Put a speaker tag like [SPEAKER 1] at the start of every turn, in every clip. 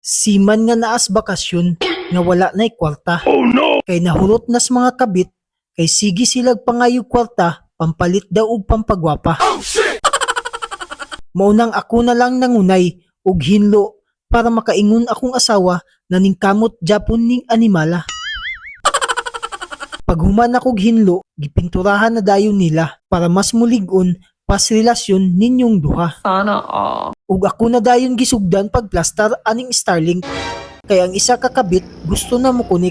[SPEAKER 1] Siman nga naas bakasyon nga wala na'y kwarta.
[SPEAKER 2] Oh no!
[SPEAKER 1] Kay nahurot nas mga kabit kay sige silag pangayo kwarta pampalit daw og pampagwapa.
[SPEAKER 2] Oh shit!
[SPEAKER 1] Maunang ako na lang nangunay og hinlo para makaingon akong asawa na ningkamot Japon ning animala. Paghuman akong hinlo, gipinturahan na dayon nila para mas mulig-on pas relasyon ninyong duha.
[SPEAKER 3] Sana all.
[SPEAKER 1] Ug ako na dayon gisugdan pagplastar aning Starlink. Kay ang isa kakabit gusto na mo kunik.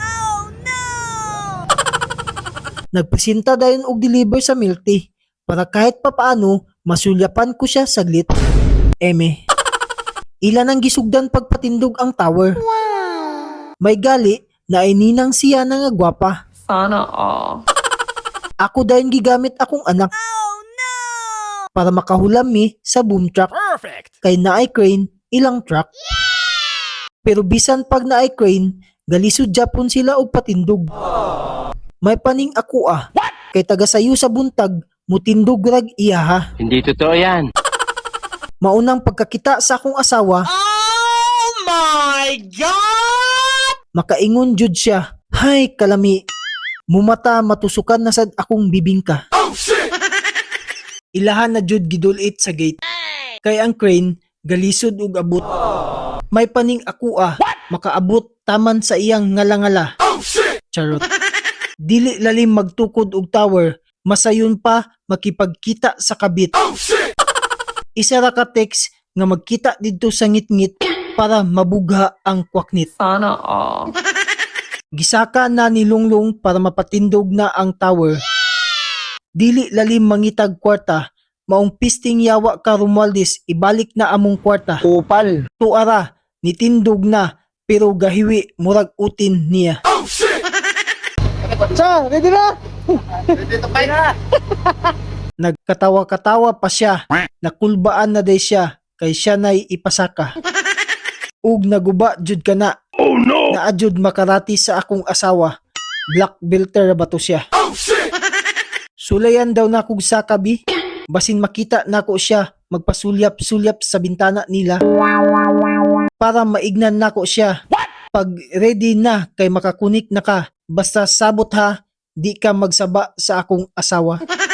[SPEAKER 1] Nagpresenta dayon og deliver sa milk tea para kahit papaano masulyapan ko siya saglit. Eme. Ilan ang gisugdan pagpatindog ang tower. May gali na ay ninang siya na nga gwapa.
[SPEAKER 3] Sana all.
[SPEAKER 1] Ako dayon gigamit akong anak. Para makahulam mi sa boom truck.
[SPEAKER 2] Perfect!
[SPEAKER 1] Kay naay crane ilang truck. Pero bisan pag naay crane, galisod Japon sila og patindog. May paning ako kay taga sayo sa buntag, mutindog rag iya ha.
[SPEAKER 4] Hindi totoo yan.
[SPEAKER 1] Maunang pagkakita sa akong asawa,
[SPEAKER 2] Oh my God!
[SPEAKER 1] makaingon jud siya, hay kalami, mumata matusukan na sad akong bibingka.
[SPEAKER 2] Oh shit!
[SPEAKER 1] Ilahan na jud gidulit sa gate. Kay ang crane, galisod ug abot. May paning ako makaabot taman sa iyang ngala-ngala.
[SPEAKER 2] Oh shit!
[SPEAKER 1] Charot. Dili lalim magtukod og tower, masayon pa makipagkita sa kabit.
[SPEAKER 2] Oh shit!
[SPEAKER 1] Isa ra ka text nga magkita didto sa ngit-ngit para mabugha ang kwaknit.
[SPEAKER 3] Sana all.
[SPEAKER 1] Gisaka na ni Lunglong para mapatindog na ang tower. Dili lalim mangitag kwarta, maong pisting yawa ka Romualdez, ibalik na among kwarta.
[SPEAKER 4] Kupal.
[SPEAKER 1] Tuara, nitindog na, pero gahiwi murag utin niya.
[SPEAKER 2] Oh shit!
[SPEAKER 1] Sa, ready na? Nagkatawa-katawa pa siya, nakulbaan na day siya, kay siya na'y ipasaka. Ug naguba jud ka na,
[SPEAKER 2] Oh no!
[SPEAKER 1] naadjud makarati sa akong asawa. Black belter ba to siya?
[SPEAKER 2] Oh shit!
[SPEAKER 1] Sulayan daw na kog sakabi, basin makita nako siya magpasulyap-sulyap sa bintana nila. Para maignan nako siya. Pag ready na kay makakunik na ka, basta sabot ha, di ka magsaba sa akong asawa.